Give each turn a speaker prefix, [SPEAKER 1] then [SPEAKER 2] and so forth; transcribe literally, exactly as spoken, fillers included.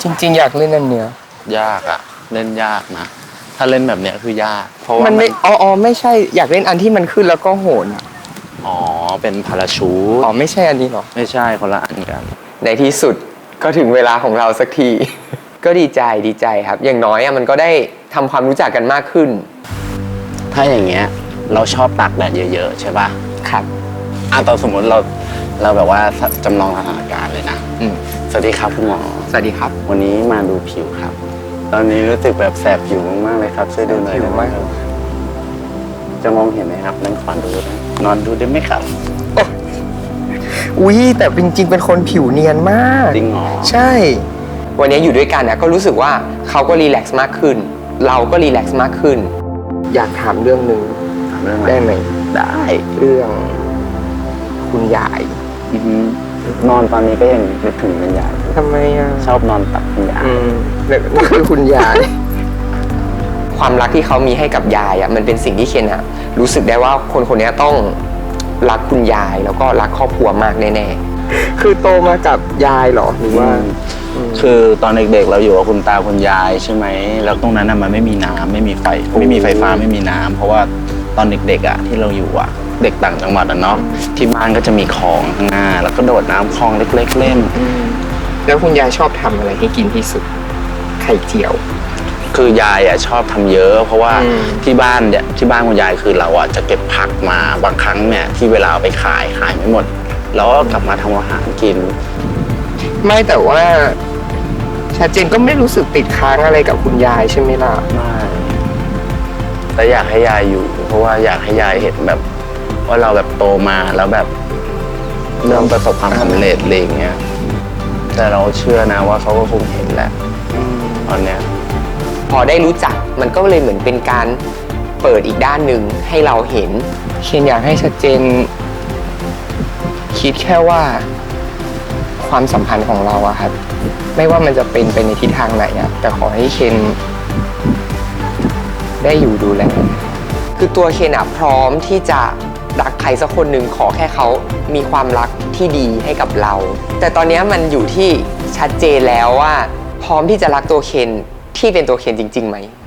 [SPEAKER 1] จริงๆอยากเล่นอันเนี้ย
[SPEAKER 2] ยากอะเล่นยากนะถ้าเล่นแบบเนี้ยคือยากเพราะว่า
[SPEAKER 1] มันไม่อ๋ออ๋อไม่ใช่อยากเล่นอันที่มันขึ้นแล้วก็โหนอะ
[SPEAKER 2] อ๋อเป็นพาราชูต
[SPEAKER 1] อ๋อไม่ใช่อันนี้หรอ
[SPEAKER 2] ไม่ใช่คนละอันกัน
[SPEAKER 1] ในที่สุดก็ถึงเวลาของเราสักที ก็ดีใจดีใจครับอย่างน้อยอะมันก็ได้ทำความรู้จักกันมากขึ้น
[SPEAKER 2] ถ้าอย่างเงี้ยเราชอบตากแดดเยอะๆใช่ป่ะ
[SPEAKER 1] ครับ
[SPEAKER 2] อ่ะตอนสมมติเราเราแบบว่าจำลองสถานการณ์เลยนะ
[SPEAKER 1] อืม
[SPEAKER 2] สวัสดีครับคุณหมอ
[SPEAKER 1] สวัสดีครับ
[SPEAKER 2] วันนี้มาดูผิวครับตอนนี้รู้สึกแบบแสบผิวมากๆเลยครับช่วยดูหน่อยได้ไหมครับจะมองเห็นไหมครับนั่งขวานดูนะนอนดูได้ไหมครับ
[SPEAKER 1] อุ้ยแต่จริงๆเป็นคนผิวเนียนมาก
[SPEAKER 2] จริงเหรอ
[SPEAKER 1] ใช่วันนี้อยู่ด้วยกันนะก็รู้สึกว่าเขาก็รีแลกซ์มากขึ้นเราก็รีแลกซ์มากขึ้นอยากถามเรื่องหนึ่ง
[SPEAKER 2] ถามเรื่องอะไร
[SPEAKER 1] ได้ไหม
[SPEAKER 2] ได้
[SPEAKER 1] เรื่องคุณยาย
[SPEAKER 2] นอนตอนนี้ก็ยังนึกถึงคุณยาย
[SPEAKER 1] ทำไมอ่ะ
[SPEAKER 2] ชอบนอนตักคุณยาย
[SPEAKER 1] นี่คือคุณยาย ความรักที่เขามีให้กับยายอ่ะมันเป็นสิ่งที่เคนอ่ะรู้สึกได้ว่าคนคนนี้ต้องรักคุณยายแล้วก็รักครอบครัวมากแน่ๆคือโตมากับยายหรอหรือว่า
[SPEAKER 2] คือตอนเด็กๆเราอยู่กับคุณตาคุณยายใช่ไหมแล้วตรงนั้นมันไม่มีน้ำไม่มีไฟไม่มีไฟฟ้าไม่มีน้ำเพราะว่าตอนเด็กๆอ่ะที่เราอยู่อ่ะเด็กต่างจังหวัดอ่ะเนาะที่บ้านก็จะมีคลองข้างหน้าแล้วก็โดดน้ำคลองเล็กๆเล่น
[SPEAKER 1] แล้วคุณยายชอบทำอะไรให้กินที่สุดไข่เจียว
[SPEAKER 2] คือยายอ่ะชอบทำเยอะเพราะว่าที่บ้านเนี่ยที่บ้านคุณยายคือเราอ่ะจะเก็บผักมาบางครั้งเนี่ยที่เวลาเอาไปขายขายไม่หมดแล้วก็กลับมาทำอาหารกิน
[SPEAKER 1] ไม่แต่ว่าชัดเจนก็ไม่รู้สึกติดค้างอะไรกับคุณยายใช่ไหมล่ะ
[SPEAKER 2] ไม่แต่อยากให้ยายอยู่เพราะว่าอยากให้ยายเห็นแบบว่าเราแบบโตมาแล้วแบบเริ่มประสบความสำเร็จอะไรอย่างเงี้ยแต่เราเชื่อนะว่าเขาก็คงเห็นแหละตอนเนี้ย
[SPEAKER 1] พอได้รู้จักมันก็เลยเหมือนเป็นการเปิดอีกด้านหนึ่งให้เราเห็นเคนอยากให้ชัดเจนคิดแค่ว่าความสัมพันธ์ของเราอะครับไม่ว่ามันจะเป็นไปในทิศทางไหนอะแต่ขอให้เคนได้อยู่ดูแลคือตัวเคนอะพร้อมที่จะรักใครสักคนหนึ่งขอแค่เขามีความรักที่ดีให้กับเราแต่ตอนนี้มันอยู่ที่ชัดเจนแล้วว่าพร้อมที่จะรักตัวเคนที่เป็นตัวเคนจริงๆไหม